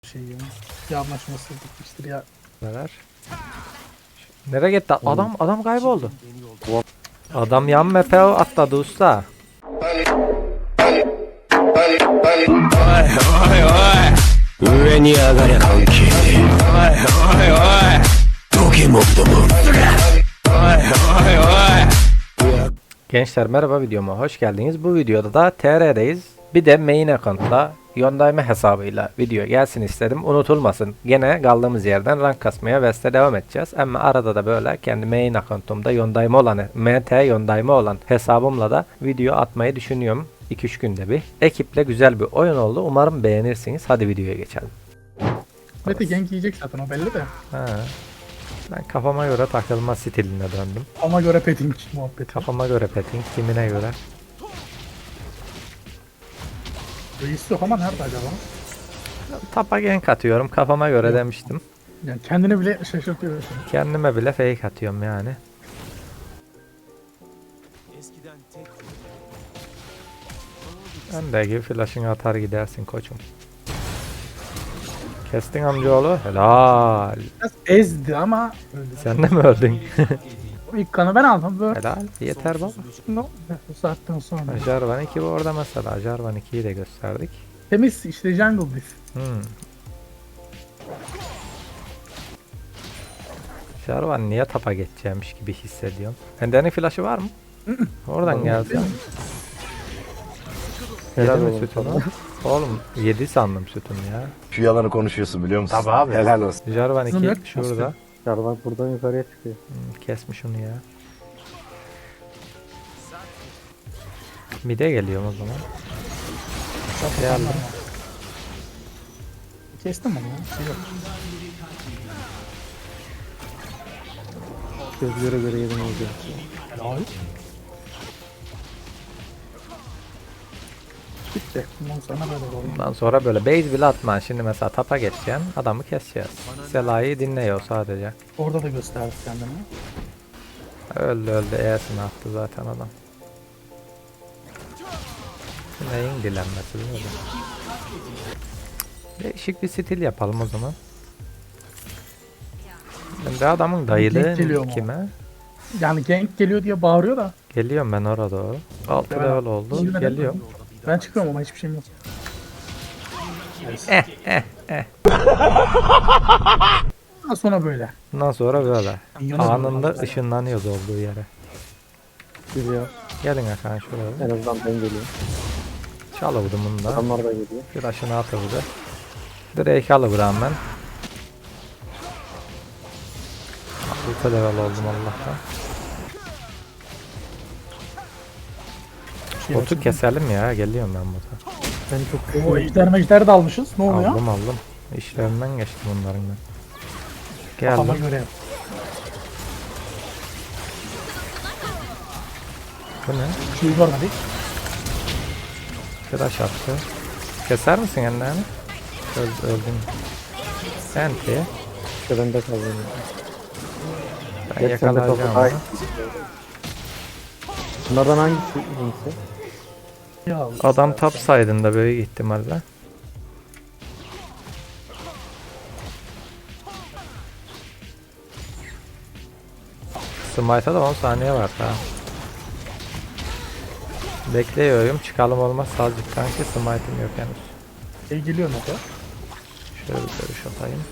şey ya. Bir anlaşmasızlık işte ya. Neler? Nereye gitti? Adam kayboldu. Adam yan map'e atladı usta. Gençler merhaba, videoma hoş geldiniz. Bu videoda da TR'deyiz. Bir de main account'la Yondayme hesabıyla video gelsin istedim. Unutulmasın. Gene kaldığımız yerden rank kasmaya West'e devam edeceğiz. Ama arada da böyle kendi main account'umda Yondayme olan, MT Yondayme olan hesabımla da video atmayı düşünüyorum. 2-3 günde bir. Ekiple güzel bir oyun oldu. Umarım beğenirsiniz. Hadi videoya geçelim. Mete gank yiyecek zaten o belli de. Ha. Ben kafama göre takılma stiline döndüm. Ona göre petting muhabbeti. Kafama göre petting, kimine göre. Reis yok ama nerede acaba? Tapa gank atıyorum. Kafama göre demiştim. Yani kendini bile şaşırtıyorsun. Kendime bile fake atıyorum yani. Öndeki flash'ını atar gidersin koçum. Kestin amcaoğlu. Helal. Biraz ezdi ama öldü. Sen de mi öldün? İlk kanı ben aldım böyle. Helal. Yeter baba. No. Bu saatten sonra. Jarvan 2 bu orada mesela. Jarvan 2'yi de gösterdik. Temiz işte jungle biz. Jarvan niye tapa geçeceğimiş gibi hissediyorum. Ender'in flash'ı var mı? Oradan geldi. Helal mi sütunu? Oğlum 7 sandım sütunu ya. Şu yalanı konuşuyorsun biliyor musun? Tabii abi. Helal olsun. Jarvan Kızım yok 2 ki şurada. Jarvan buradan yukarıya çıkıyor. Kesmiş onu ya. Mide geliyorum o zaman. Geldim. Kestim onu ya. Şey yok. Gözlere göre yedim olacak. Helal. Bitti. Bundan sonra böyle oldu. Bundan sonra böyle base bile atma. Şimdi mesela tapa geçeceksin. Adamı keseceğiz. Sela'yı dinliyor sadece. Orada da gösterdi kendini. Öldü E'sini attı zaten adam. Neyin dilenmesi değil mi? Değişik bir stil yapalım o zaman. Ben de adamın dayılığı Denk geliyor mu? kime? Yani gank geliyor diye bağırıyor da. Geliyorum ben orada doğru. 6 Ben- level oldu. Şimdi ben- Geliyor. Ben çıkıyorum ama hiçbir şeyim yok. Daha sonra böyle. Bundan sonra böyle. Minyona Anında dönüyorlar. ışınlanıyoruz olduğu yere. Geliyor. Gelin Hakan şuraya. En azından ben geliyorum. Çalıvdım bunu da. Adamlar da geliyor. Flash'ını atıldı. Drake alıvıram ben. 6 level oldum Allah'tan. Şey Botu açıldı. keselim ya. Geliyorum ben bota. Ben çok O ejder de almışız. Ne oluyor? Aldım. İşlerinden geçtim bunların ben. Kafama Geldim. göre yap. Bu ne? Şey görmedik. Flash attı. Keser misin ellerini? Öldüm. Senti. şurada kaldım. Ben yakalayacağım onu. Bunlardan hangisi iyisi? Ya Adam top side'ında büyük ihtimalle. Smite'a da 10 saniye var daha. Bekliyorum, çıkalım olmaz azıcık kanki, smite'im yok henüz. şey geliyor Mete. Şöyle bir görüş atayım.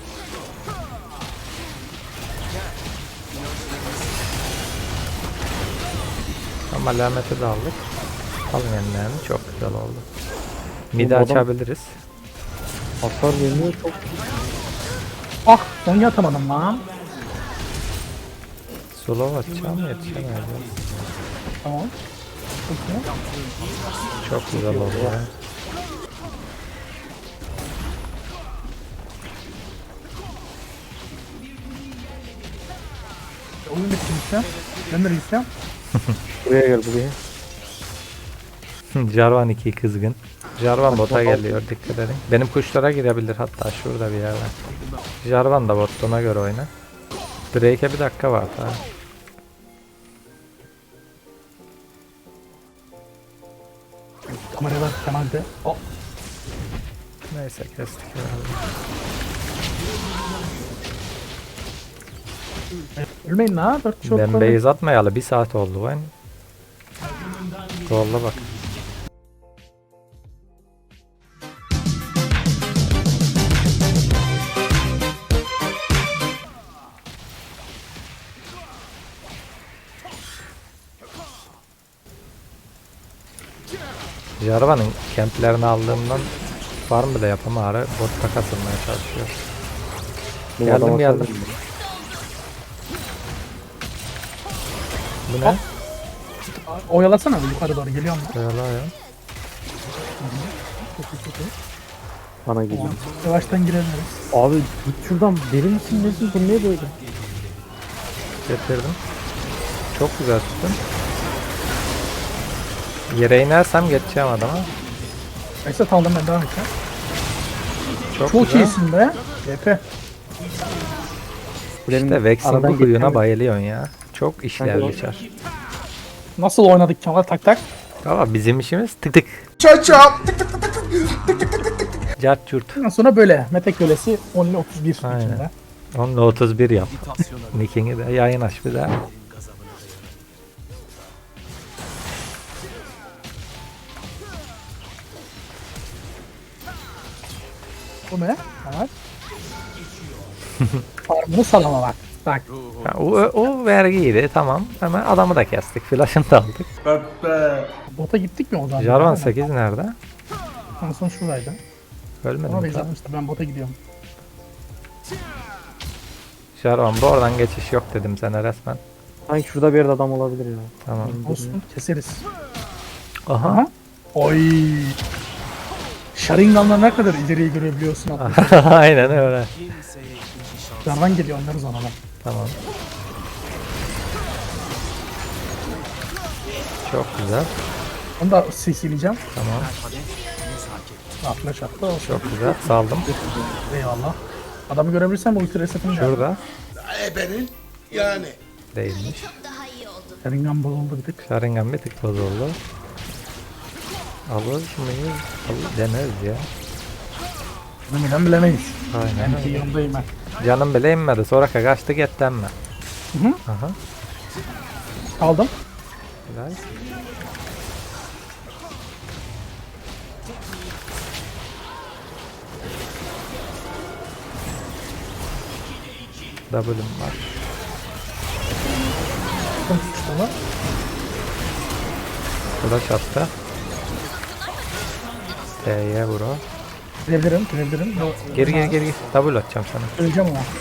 Ama alameti de aldık. Alın ellerini, çok güzel oldu. Midi Oğlum, açabiliriz. Hasar vermiyor çok. Ah onu yatamadım lan. Slow atacağım, yetişemeyeceğim. Tamam. Çok iyi. Çok güzel oldu ya. Oyun bitti işte. Ben de reisem. Buraya gel buraya. Jarvan 2 kızgın. Jarvan bota geliyor, dikkat edin. Benim kuşlara girebilir hatta şurada bir yerden. Jarvan da botuna göre oyna. Drake'e bir dakika var daha. Kameraya bak Kemal de. Oh. Neyse kestik herhalde. Ölmeyin la. 4 kişi Ben base atmayalı 1 saat oldu ben. Zolla bak. Jarvan'ın kemplerini aldığımdan farm bile yapamıyor. Botta kasılmaya çalışıyor. Bu Geldim, adama geldim. sarılın. Bu ne? Oyalasana bir yukarı doğru geliyorum ben. Böyle ya. Bana geliyor. Tamam. Yavaştan girebiliriz. Abi git şuradan, deli misin nesin, bu ne böyle? Getirdim. Çok güzel tuttun. Yere inersem geçeceğim adama. Esat aldım ben devam edeceğim. Çok, Çok güzel. iyisin be. YP. İşte Vex'in Aradan bu kuyuna geçemem. bayılıyorsun ya. Çok işler Hadi o. geçer. Nasıl oynadık Kemal tak tak. Ama bizim işimiz tık tık. Cart çurt. Ondan sonra böyle. Mete kölesi 10 ile 31 Aynen. içinde. Onunla 31 yap. Nick'ini de yayın aç bir daha. Bu ne? Evet. Farmını salama bak. Bak. Ha, o vergiydi tamam. Hemen adamı da kestik. Flash'ını da aldık. Bota gittik mi o zaman? Jarvan Aynen. 8 nerede? En son şuradaydı. Ölmedi Ona mi? base atmıştı. Ben bota gidiyorum. Jarvan bu oradan geçiş yok dedim sana resmen. Sanki şurada bir yerde adam olabilir ya. Tamam. Olsun. Keseriz. Aha. Aha. Oy. Sharingan'la ne kadar ileriye görebiliyorsun hatta. Aynen öyle. Jarvan geliyor onları ona bak. Tamam. Çok güzel. Onu da CC'leyeceğim. Tamam. Flash attı. Olsun. Çok güzel. Saldım. Eyvallah. Adamı görebilirsen bu ulti resetini de. Şurada. Ebenin yani. Değilmiş. Sharingan bozuldu bir tık. Sharingan bir tık bozuldu. Alır mıyız? Deneriz ya. Bilmeden bilemeyiz. Aynen Ben öyle. yanındayım ben. Canım bile inmedi. Sonra kaçtı gitti emme. Hı hı. Aha. Aldım. Güzel. W'm var. Tutmuştu onu. Flash attı. T'ye vur o. Girebilirim. Yok. Geri geri. W atacağım sana. Öleceğim ama.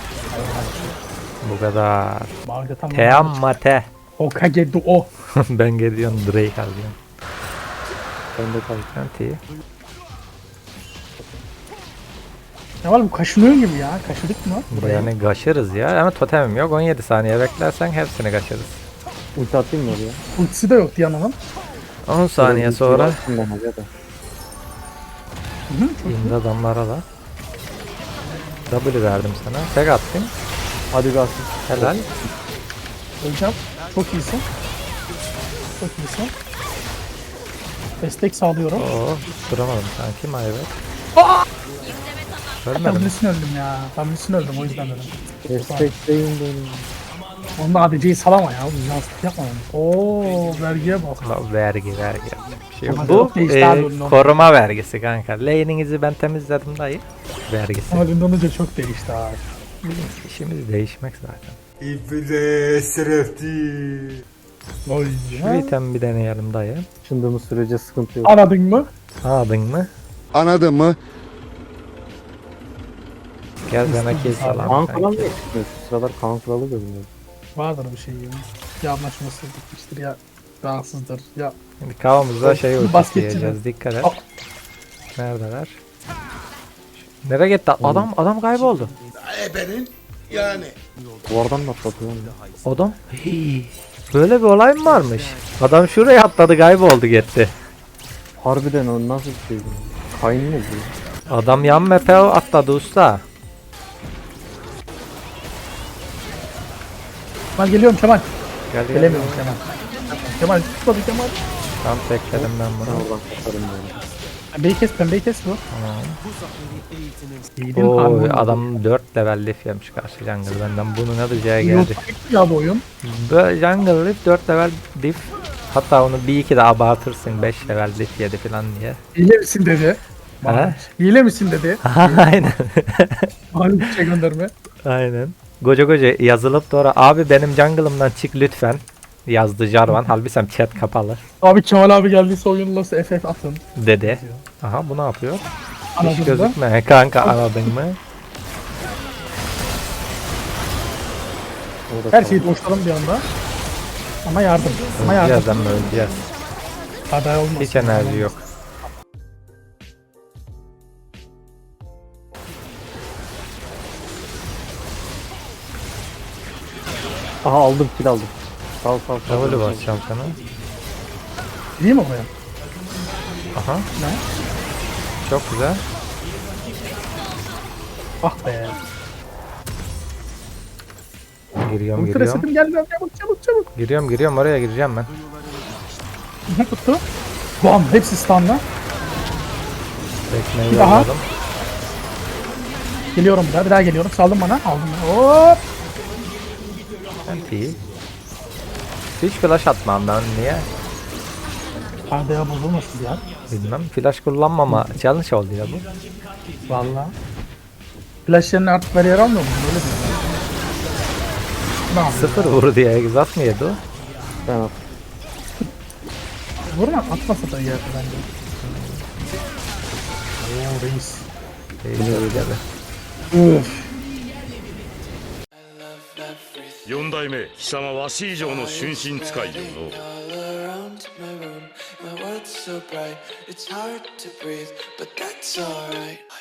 Bu kadar. Bağırdı tam. Te amma te. Hokage Duo. Ben geliyorum Drake alıyorum. Ben de kaldım. Anti. Ne var bu kaşınıyor gibi ya. Kaşıdık mı? Buraya. Yani kaşırız ya ama totemim yok. 17 saniye beklersen hepsini kaşırız. Ulti atayım mı oraya? Ultisi de yok Diana'nın. 10 saniye sonra Şimdi hadi hadi. indi adamlara da. W verdim sana. Tek attım. Hadi kalsın. Helal. Öleceğim. Çok iyisin. Çok iyisin. Destek sağlıyorum. Oo, duramadım sanki mayvet. Tam Ölmedim. üstüne öldüm ya. Tam üstüne öldüm o yüzden dedim. Destekleyin beni. Onda ADC'yi salama ya. Yansıt yapma onu. Ooo vergiye bak. La, vergi. Bir şey yok. Ama Bu çok değişti abi onun. koruma vergisi kanka. Lane'inizi ben temizledim dayı. Vergisi. Ama dünden önce çok değişti abi. İşimiz değişmek zaten. Oy Şu ya. item bir deneyelim dayı. Çındığımız sürece sıkıntı yok. Anladın mı? Anladın mı? Anladın mı? Gel sana kill Kaan salam. Kralı niye çıkmıyor? Şu sıralar Kaan Kralı görünüyor. Vardır bir şey ya. Ya anlaşması bitmiştir ya rahatsızdır ya. Şimdi kavamızda şey ultisi Basketçi diyeceğiz. Dikkat et. Al. Neredeler? Nereye gitti? Adam kayboldu. Ebenin yani. Duvardan mı atladı lan? Adam. Hii. Böyle bir olay mı varmış? Adam şuraya atladı kayboldu gitti. Harbiden o nasıl bir şey? Kayn ne bu? Adam yan map'e atladı usta. Ben geliyorum Kemal. Gel gel. Gelemiyorum Kemal. Kemal tutmadı Kemal. Tam tekledim ben Ben bunu. oradan kaçarım böyle. Pembeyi kes bu. İyiydin Oy harbi. adam 4 level Leaf yemiş karşı jungle benden. Bunun alacağı geldi. Yolculuk ya bu oyun. Böyle jungle Leaf 4 level Leaf. Hatta onu bir iki de abartırsın 5 level Leaf yedi falan diye. Hile misin dedi. Ha? Hile misin dedi. Aynen. Abi bir şey gönderme. Aynen. Goca yazılıp sonra abi benim jungle'ımdan çık lütfen yazdı Jarvan. Halbuki chat kapalı Abi Kemal abi geldiyse oyunla FF atın. dedi. Aha bu ne yapıyor? Hiç Anladın mı? gözükme kanka anladın mı? Her şeyi boşladım bir anda. Ama yardım. Ama yardım. Birazdan öleceğiz. Aday olmaz. Hiç enerji yok. Aha aldım kill aldım. Sal sal sal. W basacağım sana. Değil mi oraya? Aha. Ne? Çok güzel. Ah be. Giriyorum Ultra giriyorum. setim gelmiyor. Çabuk. Giriyorum oraya gireceğim ben. Ne tuttu? Bam hepsi stun'la. Tekmeyi Bir daha. yolladım. Geliyorum bir daha geliyorum. Saldım bana. Aldım. Hop. İyi. Hiç flash atmam ben niye? Arda'ya bozulmasın ya. Bilmem. Flash kullanmama challenge oldu ya bu. Valla. Flash yerine artık bariyer almıyor mu? Öyle mi? Ne yapıyor? Sıfır vurdu ya. Exhaust mı yedi o? Ben at. Vurma atmasa da yerdi bence. Oo reis. Öyle de. Üf. 四代目貴様わし以上の春心使いよの All around my room, my world's so bright, it's hard to breathe, but that's alright.